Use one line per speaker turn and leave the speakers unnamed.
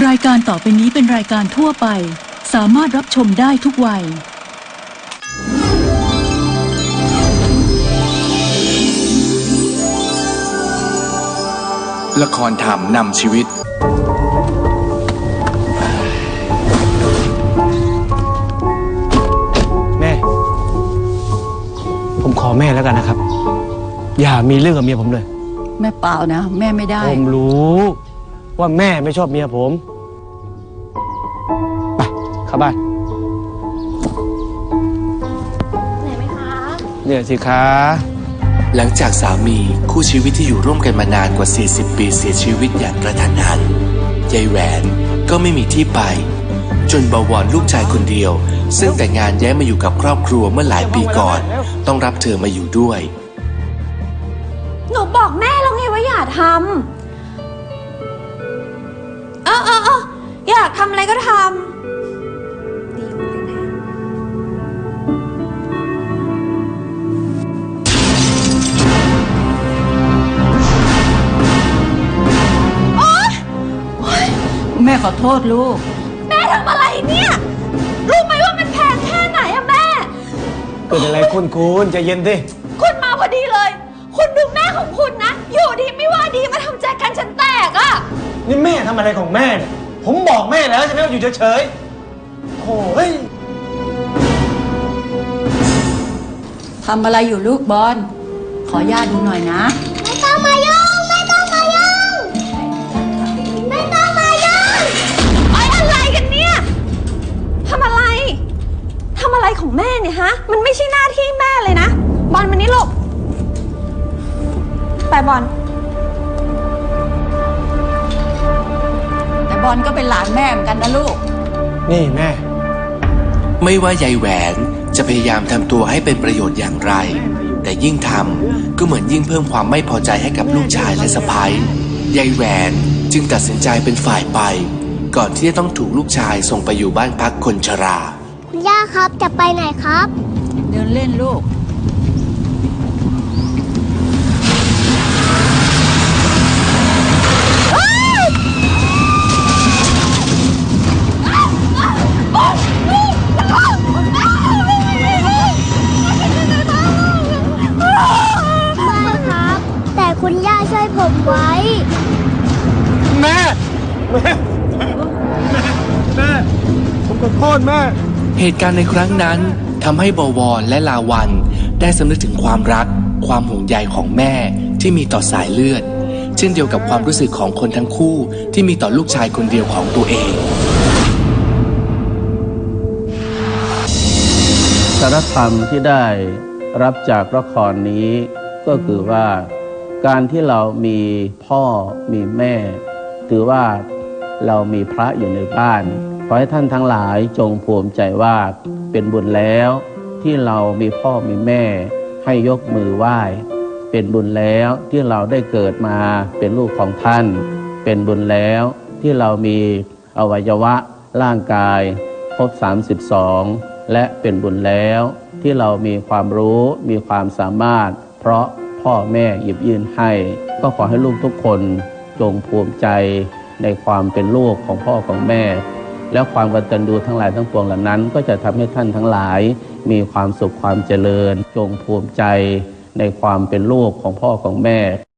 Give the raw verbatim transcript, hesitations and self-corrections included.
รายการต่อไปนี้เป็นรายการทั่วไปสามารถรับชมได้ทุกวัย
ละครธรรมนำชีวิต
แม่ผมขอแม่แล้วกันนะครับอย่ามีเรื่องกับเมียผมเลย
แม่เปล่านะแม่ไม่ได้
ผมรู้ว่าแม่ไม่ชอบเมียผมไปเข้าบ้าน
เหนื่อยไหมคะ
เนี่ยสิคะ
หลังจากสามีคู่ชีวิตที่อยู่ร่วมกันมานานกว่าสี่สิบปีเสียชีวิตอย่างกระทันหันยายแหวนก็ไม่มีที่ไปจนบวรลูกชายคนเดียวซึ่งแต่งงานย้ายมาอยู่กับครอบครัวเมื่อหลายปีก่อนต้องรับเธอมาอยู่ด้วย
หนูบอกแม่แล้วไงว่าอย่าทำเออเออเอออยากทำอะไรก็ทำดีเหมือนกันนะ
แม่ขอโทษลูก
แม่ทำอะไรเนี่ยรู้ไหมว่ามันแพงแค่ไหนอะแม่
เกิดอะไรคุณคุณใจเย็นดิ
คุณมาพอดีเลยคุณดูแม่ของคุณนะอยู่ดีไม่ว่าดีมาทำใจกันฉันแตกอะ
นี่แม่ทำอะไรของแม่เนี่ยผมบอกแม่แล้วใช่ไหมว่าอยู่เฉยๆโอ้ย
ทำอะไรอยู่ลูกบอลขอย่าดูหน่อยนะ
ไม่ต้องมายุ่งไม่ต้องมายุ่งไม่ต้องมายุ่งไอ้อะไรกันเนี่ยทำอะไรทำอะไรของแม่เนี่ยฮะมันไม่ใช่หน้าที่แม่เลยนะบอลมานี่ลูกไปบอล
แต่บอลก็เป็นหลานแม่เหมือนกันนะลูก
นี่แม่
ไม่ว่ายายแหวนจะพยายามทำตัวให้เป็นประโยชน์อย่างไรแต่ยิ่งทำก็เหมือนยิ่งเพิ่มความไม่พอใจให้กับลูกชายและสะใภ้ยายแหวนจึงตัดสินใจเป็นฝ่ายไปก่อนที่จะต้องถูกลูกชายส่งไปอยู่บ้านพักคนชรา
คุณย่าครับจะไปไหนครับ
เดินเล่นลูก
คุณย่าช่วยผมไว้
แม่แม่แม่ผมขอโทษแม่
เหตุการณ์ในครั้งนั้นทำให้บวรและลาวันได้สำนึกถึงความรักความห่วงใยของแม่ที่มีต่อสายเลือดเช่นเดียวกับความรู้สึกของคนทั้งคู่ที่มีต่อลูกชายคนเดียวของตัวเอง
สาระธรรมที่ได้รับจากละครนี้ก็คือว่าการที่เรามีพ่อมีแม่ถือว่าเรามีพระอยู่ในบ้านขอให้ท่านทั้งหลายจงภูมิใจว่าเป็นบุญแล้วที่เรามีพ่อมีแม่ให้ยกมือไหว้เป็นบุญแล้วที่เราได้เกิดมาเป็นลูกของท่านเป็นบุญแล้วที่เรามีอวัยวะร่างกายครบสามสิบสองและเป็นบุญแล้วที่เรามีความรู้มีความสามารถเพราะพ่อแม่หยิบยื่นให้ก็ขอให้ลูกทุกคนจงภูมิใจในความเป็นลูกของพ่อของแม่แล้วความกตัญญูทั้งหลายทั้งปวงเหล่านั้นก็จะทำให้ท่านทั้งหลายมีความสุขความเจริญจงภูมิใจในความเป็นลูกของพ่อของแม่